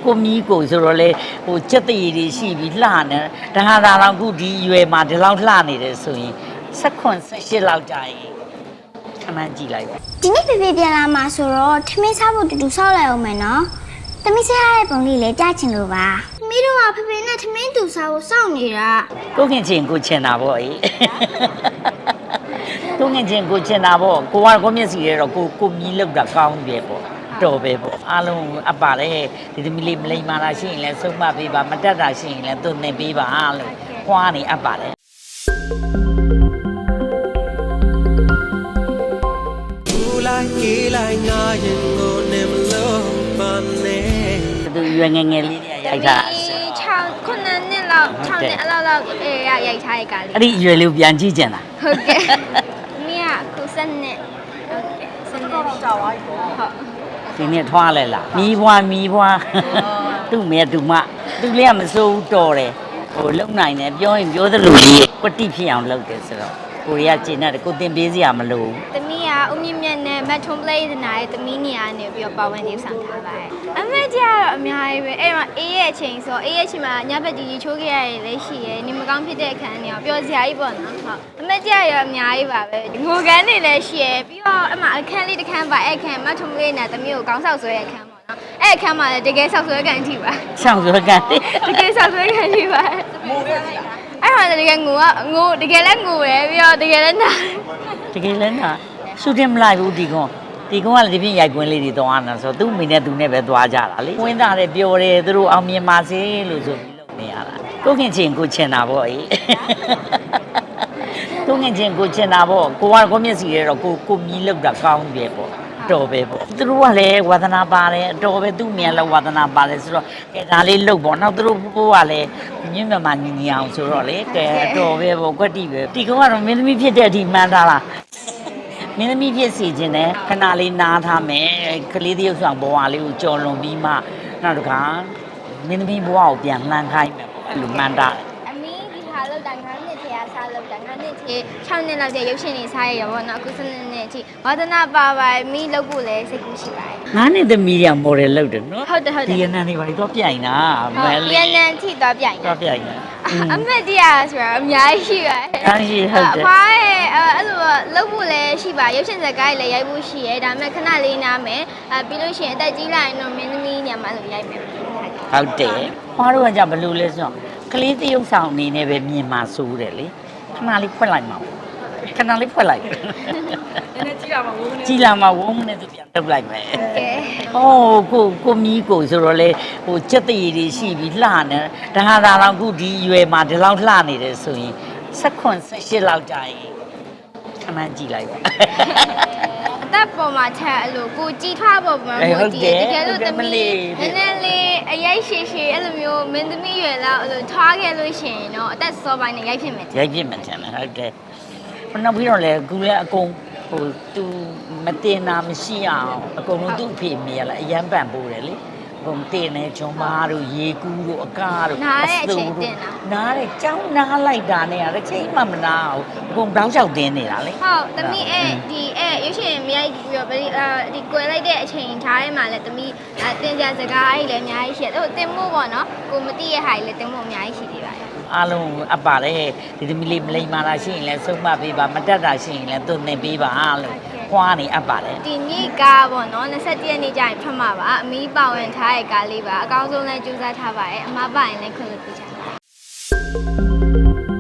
ကိုမီးကိုဆိုတော့လေဟိုစက်တရည်တွေရှိပြီးလှနေဒါဟာဒါတော့အခုဒီရွယ်မှာဒီလောက်လှနေတယ်ဆိုရင်18လောက်ကြာရင်ခဏကြည့်လိုက်ပါဒီနေ့ဖေဖေပြန်လာမှာဆိုတော့ထမင်းစားဖို့တူတူဆောက်လိုက်အောင်မယ်နော်တမီးစားရတဲ့ပုံလေးလည်းကြားချင်လို့ပါသမီးတို့ကဖေဖေနဲ့ထမင်းတူစားဖို့စောင့်နေတာကိုခင်ချင်းကိုချင်တာပေါ့အေးကိုခင်ချင်းကိုချင်တာပေါ့ကိုကကိုမျက်စီရဲတော့ကိုမီးလောက်တာကောင်းပြီပေါ့တော်ပဲပေါ့အားလုံးအပ်ပါတယ်ဒီသမီးလေးမလိမ္မာတာရှိရင်လည်းဆုံးမပေးပါမတက်တာရှိရင်လည်းသူ့နေပေးပါလို့ခွာနေအပ်ပါတယ်သူရွယ်ငယ်ငယ်လေးတွေရိုက်တာ 6ခုနှစ်လောက်6နှစ်အလောက်ရိုက်ထားတဲ့ကားလေးအဲ့ဒီရွယ်လေးပြန်ကြည့်ကြင်လားဟုတ်ကဲ့သမီးကခု7နှစ်ဟုတ်ကဲ့7နှစ်ကြာသွားပြီပေါ့ဟုတ်ဒီနေ့ထွားလဲလားမီးဘွားသူ့မဲသူမသူလေးကမစိုးဘူးတော်တယ်ဟိုလုံနိုင်တယ်ပြောရင်ပြောသလိုလေးကွတိဖြစ်အောင်လုပ်တယ်ဆိုတော့ကိုရီးယားကျင်တဲ့ကိုတင်ပေးစရာမလိုဘူးသမီးကဦးမြင့်မြတ်နဲ့မတ်ထွန်ပလေးနာရဲ့သမီးနေရာနေပြီးတော့ပါဝင်နေဆောင်ထားပါတယ်အမေကြီးကတော့အများကြီးပဲအဲ့တော့အေးရဲ့အချိန်ဆိုအေးရဲ့အချိန်မှာညဘက်ကြီးချိုးခဲ့ရရင်လည်းရှိရဲနေမကောင်းဖြစ်တဲ့အခန်းတွေရောပျော်စရာကြီးပေါ့နော်ဟုတ်အမေကြီးကတော့အများကြီးပါပဲငိုကန်းနေလည်းရှိရဲပြီးတော့အမအခန်းလေးတစ်ခန်းပါအဲ့အခန်းမတ်ထွန်ပလေးနာသမီးကိုကောင်းဆောက်ဆွဲတဲ့အခန်းပေါ့နော်အဲ့အခန်းမှာလည်းတကယ်ဆောက်ဆွဲကန်ထိပါဆောက်ဆွဲကန်တကယ်ဆောက်ဆွဲကန်ထိပါအဲ့မှာတကယ်ငိုတကယ်လည်းငိုရယ်ပြီးတော့တကယ်လည်းနာတကယ်လည်းနာရှူတင်မလိုက်ဘူးဒီကောင်ကလည်းဒီပြင်ရိုက်ကွင်းလေးတွေသွားနေတာဆိုသူ့မိနဲ့သူနဲ့ပဲသွားကြတာလေဝင်းသားတယ်ပြောတယ်သူတို့အောင်မြင်ပါစေလို့ဆိုပြီးလုပ်နေရတာကိုခင်ချင်းကိုချင်တာပေါ့အေးကိုခင်ချင်းကိုချင်တာပေါ့ကိုကကိုမျက်စီရဲတော့ကိုမီးလောက်တာကောင်းပြီပေါ့တော်ပဲပေါ့သူတို့ကလည်းဝါသနာပါတယ်တော်ပဲသူ့မြန်လည်းဝါသနာပါတယ်ဆိုတော့ကဲဒါလေးလုတ်ပေါ့နောက်သူတို့ဖိုးကလည်းမြင့်မြတ်မှညီအောင်ဆိုတော့လေကဲတော်ပဲပေါ့ကွက်တိပဲဒီကောင်ကတော့မင်းသမီးဖြစ်တဲ့အထိမှန်းထားလားမင်းသမီးဖြစ်စီခြင်းနဲ့ခဏလေးနားထားမယ်ကလေးတယောက်ဆောင်ဘဝလေးကိုကြော်လွန်ပြီးမှနောက်တစ်ခါမင်းသမီးဘဝကိုပြန်လှမ်းခိုင်းမယ်ပေါ့အဲ့လိုမှန်းထားအမီးဒီဟာလောက်တာ9နှစ်ထဲကစားလောက်တာ9နှစ်ထဲ6နှစ်လောက်တဲ့ရုပ်ရှင်တွေစားရရပေါ့နော်အခု7နှစ်အထိဝါသနာပါပါမီးလောက်ဖို့လည်းစိတ်ကူးရှိပါတယ် 9နှစ်သမီးကမော်ဒယ်လုပ်တယ်နော်ဟုတ်တယ်ဒီရနန်တွေဘာလို့ပြိုင်တာမဲလေးရနန်ထိသွားပြိုင်တာအမက်တရားဆိုတော့အများကြီးရှိပါတယ်အားရှိဟုတ်တယ်အဖွားရဲ့အဲ့လိုလုပ်ဖို့လည်းရှိပါရုပ်ရှင်ဇာတ်ကားလည်းရိုက်ဖို့ရှိရဲဒါပေမဲ့ခဏလေးနားမယ်ပြီးလို့ရှိရင်အသက်ကြီးလာရင်တော့မင်းသမီးညမှာလို့ရိုက်မယ်ဟုတ်တယ်ဖွားတို့ကကြဘယ်လိုလဲဆိုတော့ကလေးတရုပ်ဆောင်အနေနဲ့ပဲမြင်မှာစိုးတယ်လေခဏလေးဖွက်လိုက်မှာခဏလေးဖွက်လိုက်နည်းနည်းကြည့်လာမှာဝုန်းနဲ့သူပြန်ထုတ်လိုက်မယ်ဟိုကိုမီးကိုဆိုတော့လေဟိုစက်တရည်တွေရှိပြီးလှနေဒါဟာဒါတော့အခုဒီရွယ်မှာဒီလောက်လှနေတယ်ဆိုရင်18လောက်ကြာရင်ခဏကြည့်လိုက်ပါအသက်ပေါ်မှာချက်အဲ့လိုကိုကြည်ထွားပေါ်မှာမို့တကယ်လို့သမီးနည်းနည်းလေးအရိုက်ရှည်အဲ့လိုမျိုးမင်းသမီးရွယ်လောက်အဲ့လိုထွားခဲ့လို့ရှိရင်တော့အသက်စောပိုင်းနဲ့ရိုက်ဖြစ်မယ်ထင်တယ်ဟုတ်တယ်နောက်ပြီးတော့လေကူလည်းအကုန်ဟိုသူမတင်တာမရှိအောင်အကုန်လုံးသူ့အဖေမိရလားအရန်ပန်ပိုးတယ်လေဘုံတင်နေဂျွန်မားတို့ရေကူးတို့အကားတို့နားတဲ့အချိန်တင်တာနားတဲ့ကြောင်းနားလိုက်တာနဲ့တစ်ချိန်မှမနာဘူးအကုန်တောင်းလျှောက်တင်းနေတာလေဟုတ်သမီးဒီရုပ်ရှင်မြိုက်ပြီးတော့ဒီကွယ်လိုက်တဲ့အချိန်ထားထဲမှာလည်းသမီးတင်ကြစကားကြီးလည်းအများကြီးရှိတယ်ဟိုတင်မို့ပေါ့နော်ကိုမသိရဟာကြီးလည်းတင်မို့အများကြီးရှိသေးပါတယ်အားလုံးအပ်ပါတယ်ဒီသမီးလေးမလိမ္မာတာရှိရင်လည်းဆုံးမပေးပါမတက်တာရှိရင်လည်းသူ့နေပေးပါလို့ခွာနေအပ်ပါတယ်ဒီနေ့ကားပေါ့နော်27ရက်နေ့ကျရင်ဖတ်မှာပါအမီးပါဝင်ထားတဲ့ကားလေးပါအကောင်းဆုံးလည်းကြိုးစားထားပါတယ်အမပါရင်လည်းခွင့်လွှတ်ပေးချင်ပါတယ်